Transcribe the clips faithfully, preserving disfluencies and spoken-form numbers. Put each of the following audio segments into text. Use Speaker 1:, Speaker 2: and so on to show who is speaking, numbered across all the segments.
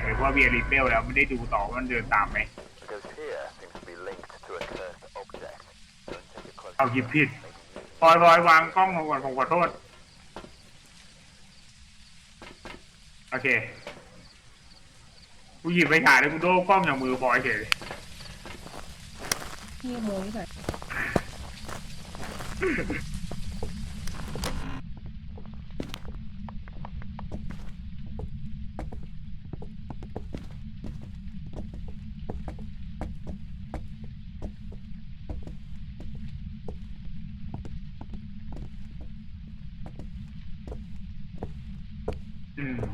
Speaker 1: รือว่าเวียริเบลแล้วไม่ได้ดูต่อมันเดินตามไหมเอาหยิบผิดพลอยพลอยวางกล้องลงก่อนผมขอโทษโอเคกูหยิบไปถ่ายแล้วกูโดนกล้องอย่างมือพลอยเฉย
Speaker 2: พี่โมยหน่อย
Speaker 1: อืม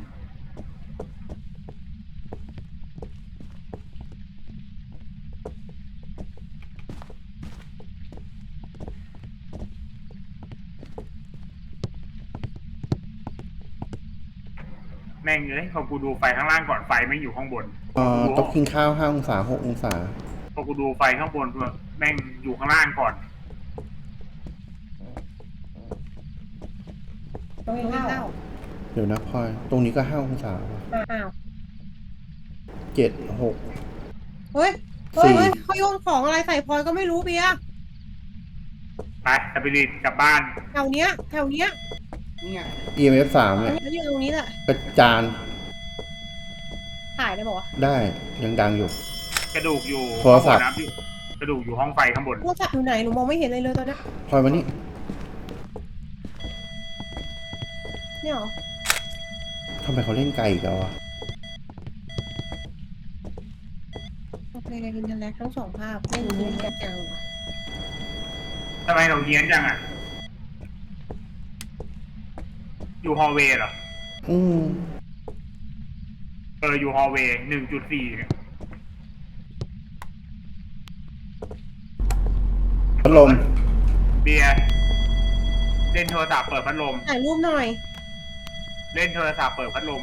Speaker 1: แม่งเลยพอกูดูไฟข้างล่างก่อนไฟไม่อยู่ข้างบน
Speaker 3: เอ่อโต๊ะกินข้าวห้าองศาหกองศา
Speaker 1: พอกูดูไฟข้างบนแม่งอยู่ข้างล่างก่อน
Speaker 2: ต้องกินข้าว
Speaker 3: เดี๋ยวนะพลอยตรงนี้ก็ห้าองศา
Speaker 2: อ้าว
Speaker 3: เจ็ดหก
Speaker 2: เฮ้ยเฮ้ยเฮ้ยเขาโยนของอะไรใส่พลอยก็ไม่รู้เบียร์
Speaker 1: ไปสปิริตกลับบ้าน
Speaker 2: แถวเนี้ยแถวเนี้ย
Speaker 1: นี่ไง
Speaker 3: อี เอ็ม เอฟ สามเนี่ย
Speaker 2: แล้วอยู่ตรงนี้แหละ
Speaker 3: กระจาน
Speaker 2: ถ่ายได้บอกว่า
Speaker 3: ได้ยังดังอยู่
Speaker 1: กระดูกอยู่
Speaker 3: โทรศัพท์
Speaker 1: น้ำอยู่กระดูกอยู่ห้องไฟข้างบน
Speaker 2: โทรศัพท์อยู่ไหนหนูมองไม่เห็นเลยเลยตอนนี้
Speaker 3: พลอยมานี่
Speaker 2: เนี่ยหรอ
Speaker 3: ทำไมเขาเล่นไกลอีกแล้วอ่ะ
Speaker 2: โอเคอินเทอร์เน็ตทั้งสองภาพไม่รู้นี่กันจังว่ะ
Speaker 1: ทำไมเราเฮี้ยนจังอ่ะอยู่ฮอลเวย์เหรอ
Speaker 3: อืม
Speaker 1: เอออยู่ฮอลเวย์หนึ่งจุดสี่
Speaker 3: พัดลม
Speaker 1: เบียร์เล่นโทรศัพท์เปิดพัดลม
Speaker 2: ถ่ายรูปหน่อย
Speaker 1: เล่นโทรศัพท์เปิดพัดลม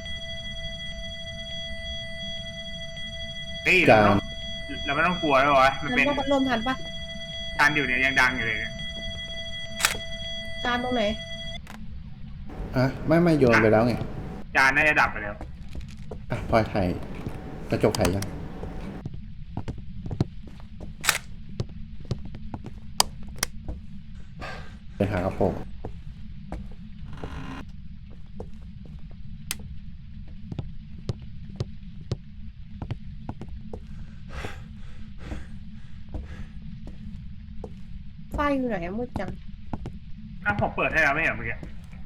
Speaker 1: นี่เราไม่ต้องเราไม่ต้องกลัวแล้ววะมันเป็น
Speaker 2: พัดลมทันปะ
Speaker 1: ทานอยู่เนี่ยยังดังอยู่เลยเนี่ย
Speaker 2: จานตรงไหน
Speaker 3: อ่ะไม่ไม่โยนไปแล้วไง
Speaker 1: จานน่าจะดับไปแล้ว
Speaker 3: อ่ะพลอยถ่ายกระจกถ่ายยังเป็นหากระโปรง
Speaker 2: ไฟอยู่ไหนมืดจัง
Speaker 1: อ้าวผมเปิดให้แล้วไม่เห็นเมื่อกี้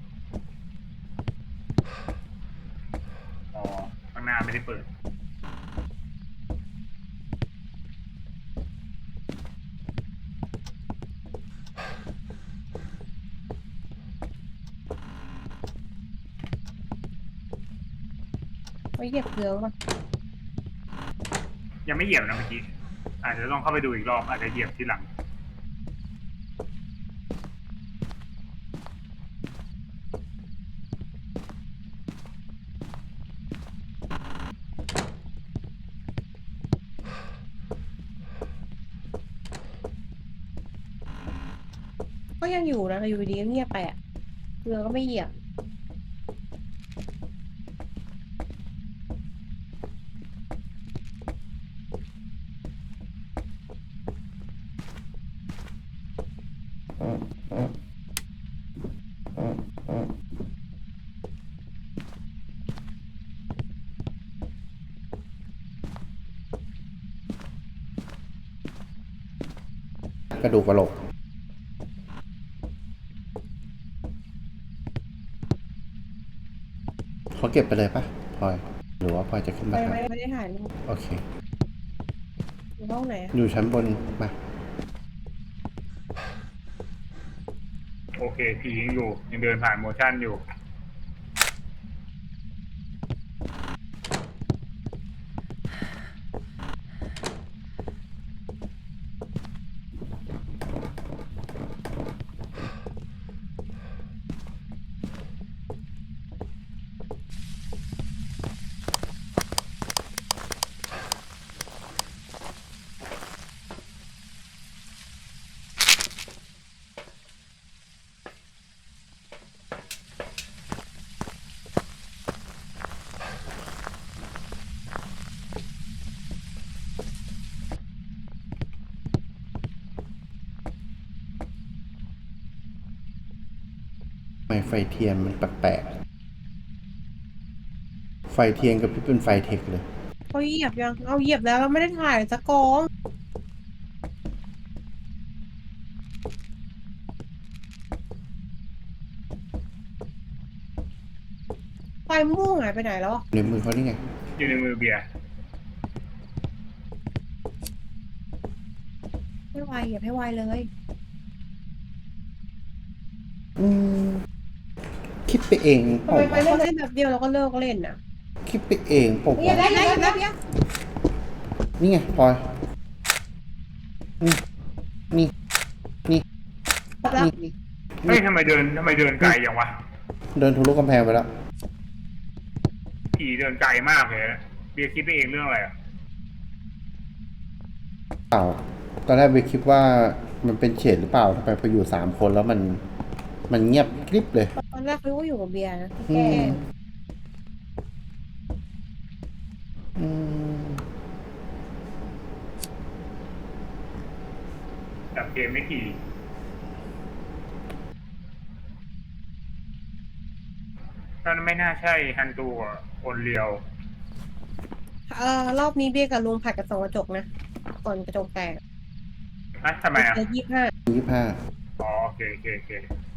Speaker 1: อ๋อข้างหน้าไม่ได้เปิด
Speaker 2: ไว้เหยียบเกลือป่ะ
Speaker 1: ยังไม่เหยียบนะเมื่อกี้อาจจะต้องเข้าไปดูอีกรอบอาจจะเหยียบทีหลัง
Speaker 2: ก็ยังอยู่นะอยู่ดีเงียบไปอ่ะเกลือก็ไม่เหยียบ
Speaker 3: กระดูกกระโหลกเขาเก็บไปเลยปะพลอยหรือว่าพลอยจะขึ้นมาถ่าย
Speaker 2: ไม่ได้ถ่ายรูป
Speaker 3: โอเค
Speaker 2: อยู่ห้องไหน
Speaker 3: อยู่ชั้นบนมา
Speaker 1: โอเคผียังอยู่ยังเดินผ่านโมชั่นอยู่
Speaker 3: ไฟเทียนมันแปลกๆไฟเทียนกับพี่เป็นไฟเทคเลย
Speaker 2: เขาเหยียบยังเอาเหยียบแล้วเราไม่ได้ถ่ายสักกอง ไฟม่วงหายไปไหนแล้วอะ
Speaker 3: ในมือเขานี่ไง
Speaker 1: อยู่ในมือเบียร์
Speaker 2: ให้ไวอย่าให้ไวเลย
Speaker 3: อืมคิดไปเองเป
Speaker 2: ทำ
Speaker 3: ล่า
Speaker 2: ไมไปเล่นเล่นแบบเดียวเราก็เลิกเล่นน่ะ
Speaker 3: คิดไปเองเปล่า
Speaker 2: อย่าได้อย่าได้อย่าได้อย่า
Speaker 3: นี่ไงพลอยนี่นี่นี่
Speaker 2: ครบแล้ว
Speaker 3: นี่
Speaker 1: เฮ้ยทำไมเดินทำไมเดินไกลอย่างวะ
Speaker 3: เดินทะลุกำแพงไปแล้ว
Speaker 1: ผีเดินไกลมากเลยนะเบียร์คิดไปเองเรื่องอะไรอ่ะ
Speaker 3: เปล่าตอนแรกไปคิดว่ามันเป็นเฉดหรือเปล่าทำไมพออยู่สามคนแล้วมัน มันเงียบกริบเลย
Speaker 2: ตอนแรกเขาก็อยู่กับเบียร์นะ
Speaker 3: อื
Speaker 2: พี่แก้
Speaker 3: ม อืม
Speaker 1: จับเกมไม่ขี่ก็ไม่น่าใช่ฮันตูกับคนเลียว
Speaker 2: เอ่อรอบนี้เบียร์กับลุงผัดกับสองกระจกนะก่อนกระจกแตก
Speaker 1: ฮะทำไมอ่ะ
Speaker 2: เจอยี่สิบห้า
Speaker 3: ยี่ห้า
Speaker 1: อ๋อโอเคโอเคโอเค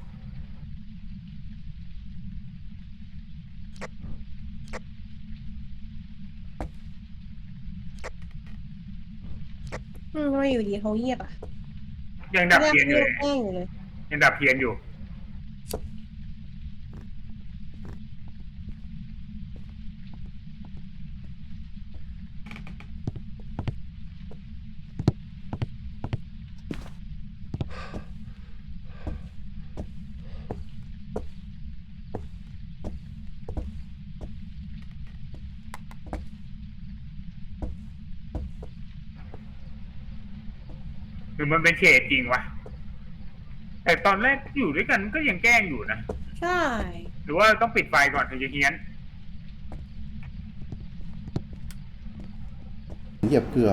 Speaker 2: อืมทำไมอยู่ดีเขาเงียบอ่ะ
Speaker 1: ยังดับเทียนอยู่เลย
Speaker 2: แกล้งอยู่เลย
Speaker 1: ยังดับเทียนอยู่ หรือมันเป็นเฉดจริงวะ แต่ตอนแรกอยู่ด้วยกันก็ยังแกล้งอยู่นะ
Speaker 2: ใช่
Speaker 1: หรือว่าต้องปิดไฟก่อนถึงจะเฮี้ยน
Speaker 3: เหยียบเกลือ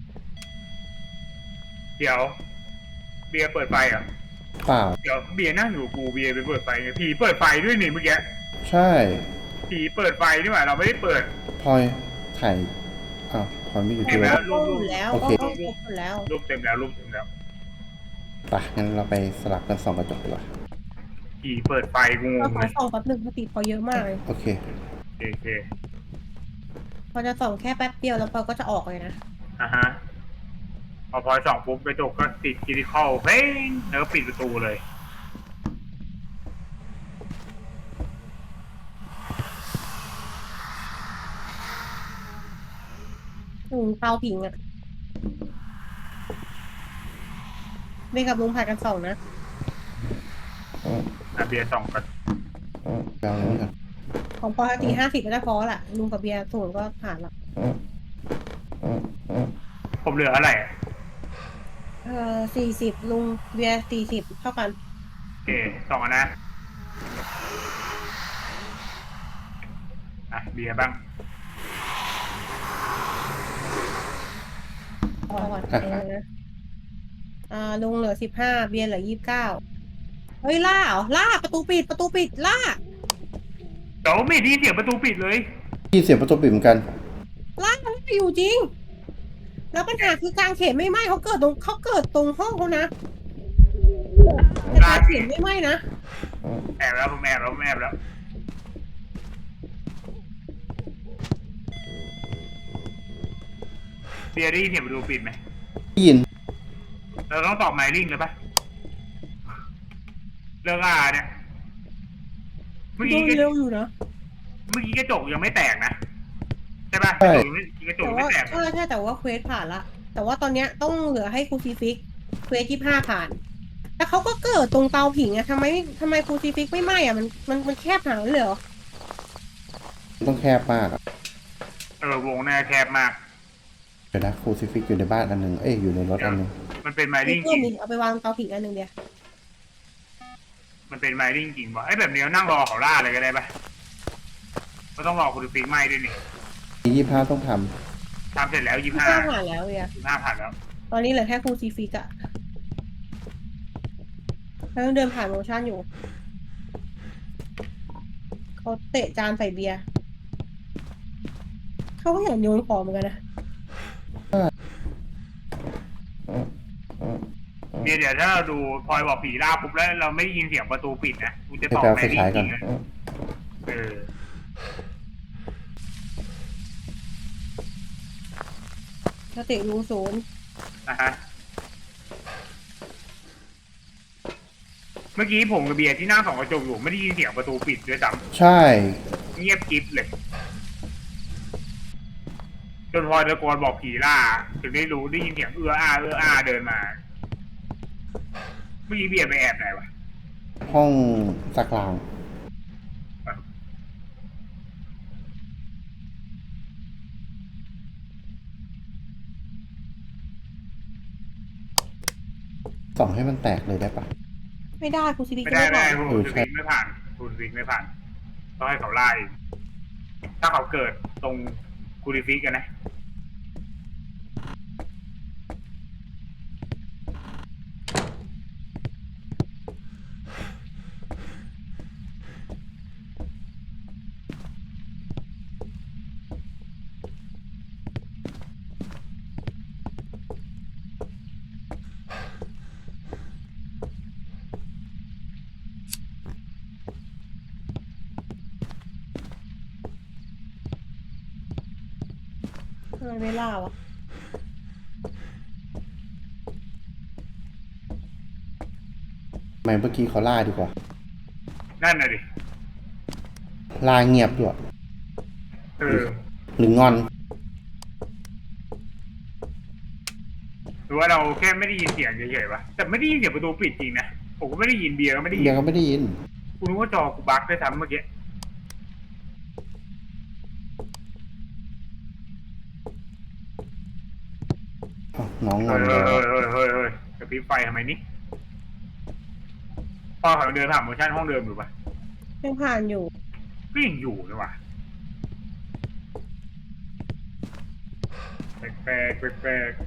Speaker 1: เดี๋ยว เบียร์เปิดไฟเหรอ่ะ
Speaker 3: เปล่า
Speaker 1: เดี๋ยวเบียร์นั่งอยู่กูเบียร์ไปเปิดไฟไงผีเปิดไฟด้วยนี่เมื่อกี้
Speaker 3: ใช่
Speaker 1: ผีเปิดไฟนี่หว่าเราไม่ได้เปิด
Speaker 3: พลอยถ่ายอ้าวพลอยไม่อยู่
Speaker 1: เห็
Speaker 3: ที่
Speaker 1: นไหม
Speaker 3: รถ
Speaker 2: ก็อยู่แล้ว
Speaker 3: โอ
Speaker 2: ก็
Speaker 3: เค
Speaker 2: ก็ครบอยู่แล้ว
Speaker 1: รูปเต็มแล้วรูปเต็มแล้ว
Speaker 3: ไปงั้นเราไปสลับกันส่องกระจกดีกว่า
Speaker 1: ผีเปิดไฟกูง
Speaker 2: เรา
Speaker 1: ง
Speaker 2: ข
Speaker 1: เล
Speaker 2: อย ส่องแป๊บหนึ่งปกติพอเยอะมากเลย
Speaker 3: โอเค
Speaker 1: โอเคโอเค
Speaker 2: พอจะส่องแค่แป๊บเดียวแล้วพอก็จะออกเลยนะ
Speaker 1: อ่ะฮะ พอพอส่องปุ๊บกระจกก็ติดคิริคอลเพ้งแล้วก็ปิดประตูเลย
Speaker 2: ลุงเตาผิงอ่ะเบียร์กับลุงผัดกันส่องนะ
Speaker 1: อ่ะเบียร์ส่องกัน
Speaker 3: ไปเอาอะไรนี่ก่อน
Speaker 2: ของปกติห้าสิบก็จะพอแหละลุงกับเบียร์สูงก็ผ่านละ
Speaker 1: ผมเหลืออะไรอ่ะ
Speaker 2: เออสี่สิบลุงเบียร์สี่สิบเท่ากัน
Speaker 1: โอเคส่องกันนะ อ่ะเบียร์บ้าง
Speaker 2: พอก่อนเองนะอ่าลุงเหลือสิบห้าเบียร์เหลือยี่สิบเก้าเฮ้ยล่าเหรอล่าประตูปิดประตูปิดล่า
Speaker 1: เดี๋ยวไม่ได้ยินเสียงประตูปิดเลย
Speaker 3: ที่เสียบประตูปิดเหมือนกัน
Speaker 2: ล่าไม่อยู่จริง แล้วปัญหาคือกลางเขนไม่ไหม้เขาเกิดตรงเขาเกิดตรงห้องเขานะแต่กลางเขนไม่ไหม้นะ
Speaker 1: แอบแล้วผมแอบแล้วผมแอบแล้ว เบียร์ได้ยินเสียงประตูปิดไหม
Speaker 3: ได้ยิน
Speaker 1: เราต้องตอบไมลิงเลยปะเรื่องอาเนี่ย เมื่อ
Speaker 2: ดู
Speaker 1: กี้
Speaker 2: เร็วอยู่นะ
Speaker 1: เมื่อกี้กระจกยังไม่แตกนะใช่ปะกระจกยังไม่กระจก
Speaker 2: แต่
Speaker 1: ยังไม่
Speaker 2: ว่า
Speaker 1: แตก
Speaker 2: ใช่ใช่แต่ว่าเควสผ่านละแต่ว่าตอนเนี้ยต้องเหลือให้ครูซีฟิกเควสยี่ห้าผ่านแต่เขาก็เกิดตรงเตาผิงอะทำไมทำไมครูซีฟิกไม่ไหม้อะมันมันมันแคบหนาเลยเหรอ
Speaker 3: ต้องแคบมากอะ
Speaker 1: เออวงหน้าแคบมาก
Speaker 3: เดี๋ยวนะครูซิฟิกอยู่ในบ้านอันหนึ่งเอ้ยอยู่ในรถอันหนึ่ง
Speaker 1: มันเป็นไม
Speaker 2: มี
Speaker 1: ลิงจ
Speaker 2: เพิ่
Speaker 1: ริ
Speaker 2: ม
Speaker 1: ง
Speaker 2: อีกเอาไปวางเตาผิงอันหนึ่งเดียว
Speaker 1: มันเป็นไมลิงจริงวะไอ้แบบนี้นั่งรอเขาล่าเลยก็ได้ปะก็ต้องรอคุณฟิกไหมด้วยนี่
Speaker 3: ยี่ห้าต้องท
Speaker 1: ทำเสร็จแล้วยี่
Speaker 2: ที่
Speaker 1: ห้า
Speaker 2: ห้าผ่านแล้วเวีย
Speaker 1: ยี่ห้าผ่านแล้ว
Speaker 2: ตอนนี้เหลือแค่ครูซีฟิกอะแล้วยังเดินผ่านโมชั่นอยู่เขาเตะจานใส่เบียร์เขาก็อยากโยนของเหมือนกันนะ
Speaker 1: เดี๋ยวเดี๋ยวถ้าเราดูพลอยบอกผีล่าปุ๊บแล้วเราไม่ได้ยินเสียงประตูปิดนะกูจะ
Speaker 3: ไป
Speaker 1: ตอบ
Speaker 3: แปล
Speaker 1: แม
Speaker 3: ไฟ
Speaker 1: รี่
Speaker 3: ฉาย
Speaker 1: จ
Speaker 3: ก่อ
Speaker 1: ริ
Speaker 3: น
Speaker 1: งนะเออ
Speaker 2: สติรู้ศูนย์
Speaker 1: นะฮะเมื่อกี้ผมกับเบียร์ที่นั่งส่องกระจกอยู่ไม่ได้ยินเสียงประตูปิดด้วยซ้
Speaker 3: ใช่
Speaker 1: ำเงียบกริบเลยจนพลอยตะโกนบอกผีล่าถึงได้รู้ได้ยินเสียงเอื้ออาเอื้ออาเดินมาเมื่อกี้เบียร์ไปแอบไหนวะ
Speaker 3: ห้องสักลางส่องให้มันแตกเลยได้ปะ
Speaker 2: ไม่ได้ครูซิฟิก
Speaker 1: ไม่
Speaker 2: จะ
Speaker 1: ได้
Speaker 2: ไม่
Speaker 1: ไม่
Speaker 2: ผ่า
Speaker 1: ได้
Speaker 2: น
Speaker 1: คุณวิกไม่ผ่านคุณวิกไม่ผ่านต้องให้เขาไล่ถ้าเขาเกิดตรงคูริฟิกกันนะ
Speaker 2: ทำไมไม่ล่าวะ
Speaker 3: ทำไมเมื่อกี้เขาล่าดีกว่า
Speaker 1: นั่นน่ะดิ
Speaker 3: ล่าเงียบด้วย
Speaker 1: เออ
Speaker 3: หรืองอน
Speaker 1: หรือว่าเราแค่ไม่ได้ยินเสียงเฉยๆวะแต่ไม่ได้ยินเสียงประตูปิดจริงนะผมก็ไม่ได้ยินเบียร์ก็ไม่ได้ยิ
Speaker 3: เบีย
Speaker 1: น
Speaker 3: ร์ก็ไม่ได้ยิน
Speaker 1: กูนึกว่าจอกูบั๊กด้วยซ้ำเมื่อกี้
Speaker 3: อ้าวน้องง
Speaker 1: เฮ้
Speaker 3: อน
Speaker 1: ย
Speaker 3: แล้
Speaker 1: เฮ้ยว เฮ้ยเฮ้ยเฮ้ยกระพริบไฟทำไมนี่พ่อเขาเดินผ่านโมชั่นห้องเดิมอยู่ปะ
Speaker 2: ยังผ่านอยู่
Speaker 1: ก็ยังอยู่เลยว่ะแปลกแปลกแปลก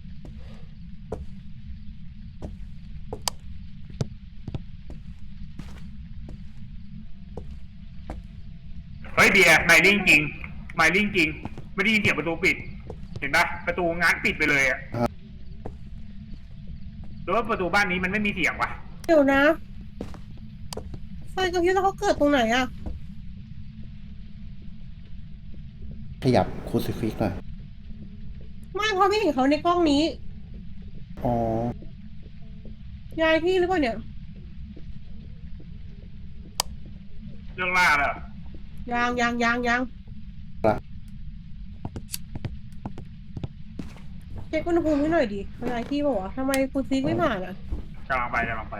Speaker 1: เฮ้ยเบียร์ไมลิ่งจริงไมลิ่งจริงไม่ได้ยินเสียงประตูปิด เห็นปะประตูง้างปิดไปเลยอะหรือว่าประตูบ้านนี้มันไม่มีเสียงวะ
Speaker 2: เดี๋ยวนะไฟกระพริบแล้วเขาเกิดตรงไหนอะ
Speaker 3: ขยับคูซิฟิกหน่อย
Speaker 2: ไม่เพราะไม่เห็นเขาในกล้องนี้
Speaker 3: อ๋อ
Speaker 2: ยายที่หรือเปล่าเนี่ย
Speaker 1: เรื่องล่าแล้ว
Speaker 2: ยางยางยางยาง
Speaker 3: ละ
Speaker 2: เช็คอุณหภูมิให้หน่อยดิยายที่บอกว่าทำไมครูซิฟิกไม่ผ่านอะ
Speaker 1: กำลังไปกำลังไป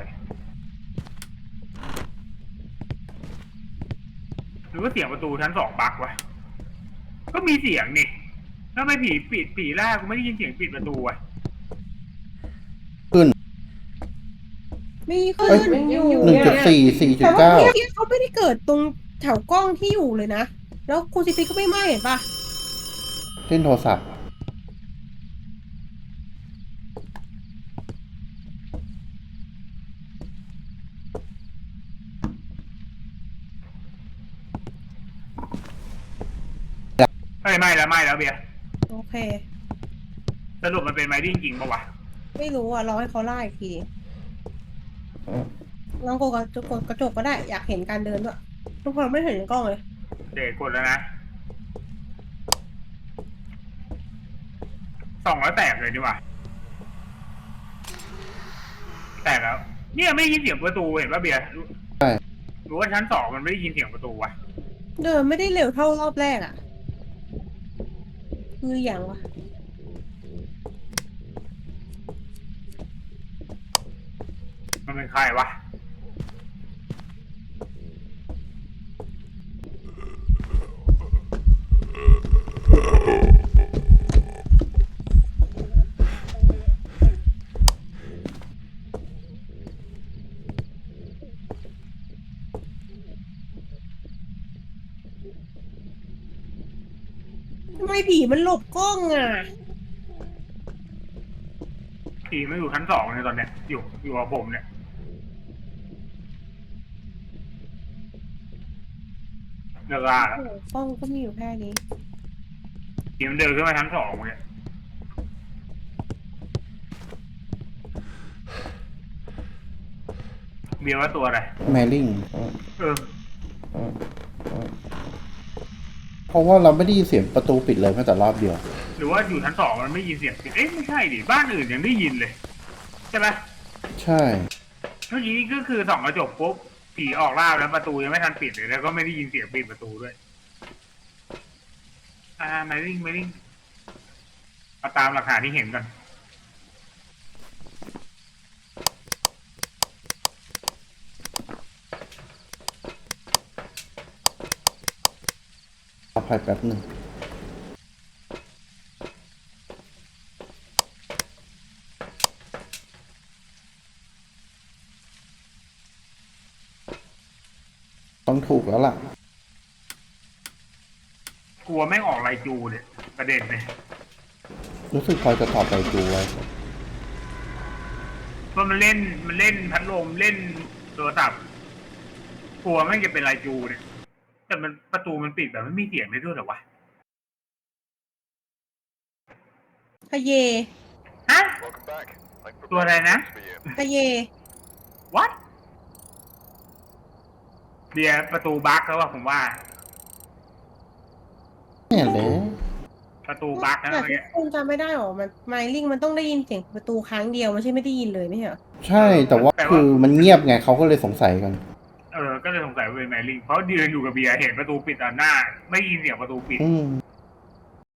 Speaker 1: หรือว่าเสียงประตูชั้นสองบั๊กวะก็มีเสียงนี่แล้วทำไมผีปิดผีล่ากูไม่ได้ยินเสียงปิดประตูวะ
Speaker 3: ขึ้น
Speaker 2: มีขึ้น
Speaker 3: เอ้ย
Speaker 2: ยังอยู่
Speaker 3: หนึ่งจุดสี่ สี่จุ
Speaker 2: แต่
Speaker 3: ด
Speaker 2: ว่า
Speaker 3: เก้า
Speaker 2: เมื่อกี้เขาไม่ได้เกิดตรงแถวกล้องที่อยู่เลยนะ แล้วครูซิฟิกก็ไม่ไหม้เห็นปะ
Speaker 3: เล่นโทรศัพท์
Speaker 1: เฮ้ยไม่แล้วไม่แล้วเบียร์
Speaker 2: โอเค
Speaker 1: สรุปมันเป็นไมดิ้งจริงปะวะ
Speaker 2: ไม่รู้อ่ะรอให้เขาไล่อีกทีลองกดกระจกกดกระจกก็ได้อยากเห็นการเดินด้วยทุกคนไม่เห็นในกล้องเลย
Speaker 1: เด็กกดแล้วนะสองแล้วแตกเลยดีกว่าแตกแล้ว เนี่ยไม่ได้ยินเสียงประตูเห็นป่ะเบียร์
Speaker 3: ใช่
Speaker 1: หรือว่าชั้นสองมันไม่ได้ยินเสียงประตูวะ
Speaker 2: เดินไม่ได้เร็วเท่ารอบแรกอ่ะ คืออย่างวะ
Speaker 1: มันเป็นใครวะ
Speaker 2: ทำไมผีมันหลบกล้องอ่ะ
Speaker 1: ผีมันอยู่ชั้นสองในตอนเนี้ย อยู่อยู่กับผมเนี่ยเลิกล่าแล้ว
Speaker 2: โอ้โหกล้องก็มีอยู่แค่นี้
Speaker 1: ผีมันเดินขึ้นมาชั้นสองเลยเบียร์ว่าตัวอะไร
Speaker 3: แมริ่ง
Speaker 1: เออ
Speaker 3: เพราะว่าเราไม่ได้ยินเสียงประตูปิดเลยแม้แต่รอบเดียว
Speaker 1: หรือว่าอยู่ชั้นสองมันไม่ยินเสียงปิดเอ๊ะไม่ใช่ดิบ้านอื่นยังได้ยินเลยใช่ไหม
Speaker 3: ใช่
Speaker 1: เมื่อกี้นี่ก็คือส่องกระจกปุ๊บผีออกล่าแล้วประตูยังไม่ทันปิดเลยแล้วก็ไม่ได้ยินเสียงปิดประตูด้วยอ่าไม่ริ่งไม่ริ่งเอาตามหลักฐานที่เห็นกัน
Speaker 3: รอภัยแป๊บหนึ่งต้องถูกแล้วล่ะ
Speaker 1: กลัวแม่งออกลายจูเนี่ยประเด็นเลย
Speaker 3: รู้สึกพลอยจะตอบไปดูไว้
Speaker 1: เพราะมันเล่นมันเล่นพัดลมเล่นโทรศัพท์กลัวแม่งจะเป็นลายจูเนี่ยแต่มันประตูมันปิดแบบไม่มีเสียงเลยด้วยเหรอวะ
Speaker 2: ทะเย
Speaker 1: ฮะ ตัวอะไรนะ
Speaker 2: ทะเย
Speaker 1: what เบียร์ประตูบั๊กแล้วว่ะผมว่า
Speaker 3: เนี่ยเลย
Speaker 1: ประตูบั๊กนะ
Speaker 2: แต่
Speaker 1: เมื่อกี้
Speaker 2: คุณจำไม่ได้หรอมันไมลิงมันต้องได้ยินเสียงประตูครั้งเดียวไม่ใช่ไม่ได้ยินเลยไม่ใช่เหรอ
Speaker 3: ใช่แต่ว่าคือมันเงียบไงเขาก็เลยสงสัยกัน
Speaker 1: เออ ก็เลยสงสัยว่าเป็นแมรี่เพราะยืนอยู่กับเบียร์เห็นประตูปิดต่อหน้า ไม่ได้ยินเสียงประตูปิด
Speaker 3: อืม